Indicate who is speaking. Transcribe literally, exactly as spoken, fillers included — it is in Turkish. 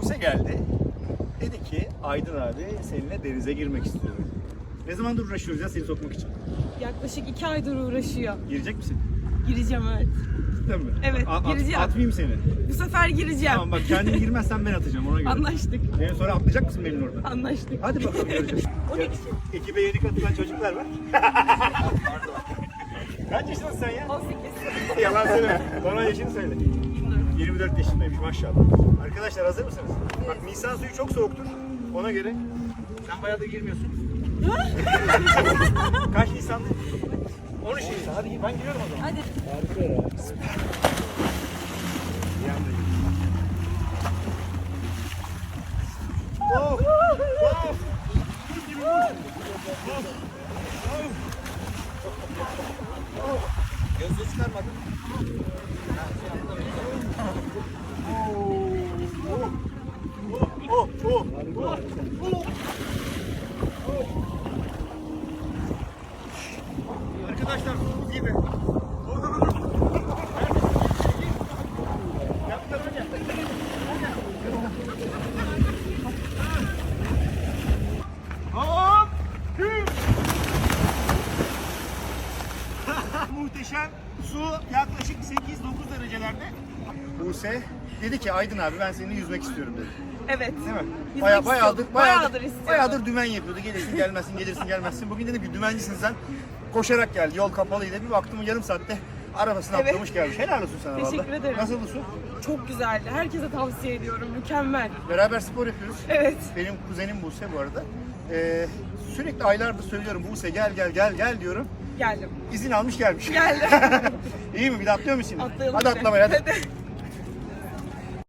Speaker 1: Buse geldi. Dedi ki Aydın abi seninle denize girmek istiyorum. Ne zamandır uğraşıyoruz ya seni sokmak için?
Speaker 2: Yaklaşık iki aydır uğraşıyor.
Speaker 1: Girecek misin?
Speaker 2: Gireceğim, evet.
Speaker 1: Değil mi?
Speaker 2: Evet,
Speaker 1: A- at-
Speaker 2: gireceğim.
Speaker 1: Atmayayım seni.
Speaker 2: Bu sefer gireceğim.
Speaker 1: Tamam bak kendin girmezsen ben atacağım ona göre.
Speaker 2: Anlaştık.
Speaker 1: Beni sonra atlayacak mısın benim orada?
Speaker 2: Anlaştık.
Speaker 1: Hadi bakalım göreceğiz.
Speaker 2: O ne biçim?
Speaker 1: Ekibe yeni katılan çocuklar var. Kaç yaşındasın sen ya?
Speaker 2: on sekiz.
Speaker 1: Yalan söyleme. Bana yaşını söyle. yirmi dört yaşındaymış maşallah. Arkadaşlar hazır mısınız? Bak Nisan suyu çok soğuktur. Ona göre. Sen bayağıdır girmiyorsun. Kaç Nisan? on üç Nisan. Hadi ben giriyorum o zaman.
Speaker 2: Hadi.
Speaker 1: Bir anda gir. Oh! Oh! Buz gibi buz. Gözlüğü çıkarmadın. Oh, oh, oh, oh. Arkadaşlar buz gibi. Hop! Muhteşem su yaklaşık sekiz dokuz derecelerde. Buse dedi ki Aydın abi ben seninle yüzmek istiyorum dedi.
Speaker 2: Evet.
Speaker 1: Değil mi?
Speaker 2: Yüzmek
Speaker 1: Baya,
Speaker 2: istiyorum.
Speaker 1: bayağıdır, bayağıdır,
Speaker 2: Bayağıdır istiyorum.
Speaker 1: bayağıdır dümen yapıyordu. Gelirsin gelmezsin, gelirsin gelmezsin. Bugün dedim ki dümencisin sen. Koşarak geldi. Yol kapalıydı. Bir baktım yarım saatte arabasını
Speaker 2: Evet.
Speaker 1: atlamış gelmiş. Helal olsun sana
Speaker 2: Teşekkür
Speaker 1: vallahi.
Speaker 2: ederim.
Speaker 1: Nasıl bu su?
Speaker 2: Çok güzeldi. Herkese tavsiye ediyorum. Mükemmel.
Speaker 1: Beraber spor yapıyoruz.
Speaker 2: Evet.
Speaker 1: Benim kuzenim Buse bu arada. Ee, sürekli aylardır söylüyorum Buse gel gel gel gel diyorum.
Speaker 2: Geldim.
Speaker 1: İzin almış gelmiş.
Speaker 2: Geldim.
Speaker 1: İyi mi? Bir de atlıyor musun şimdi?
Speaker 2: Atlayalım
Speaker 1: Hadi
Speaker 2: bir de.
Speaker 1: atlamaya hadi.
Speaker 2: Hadi.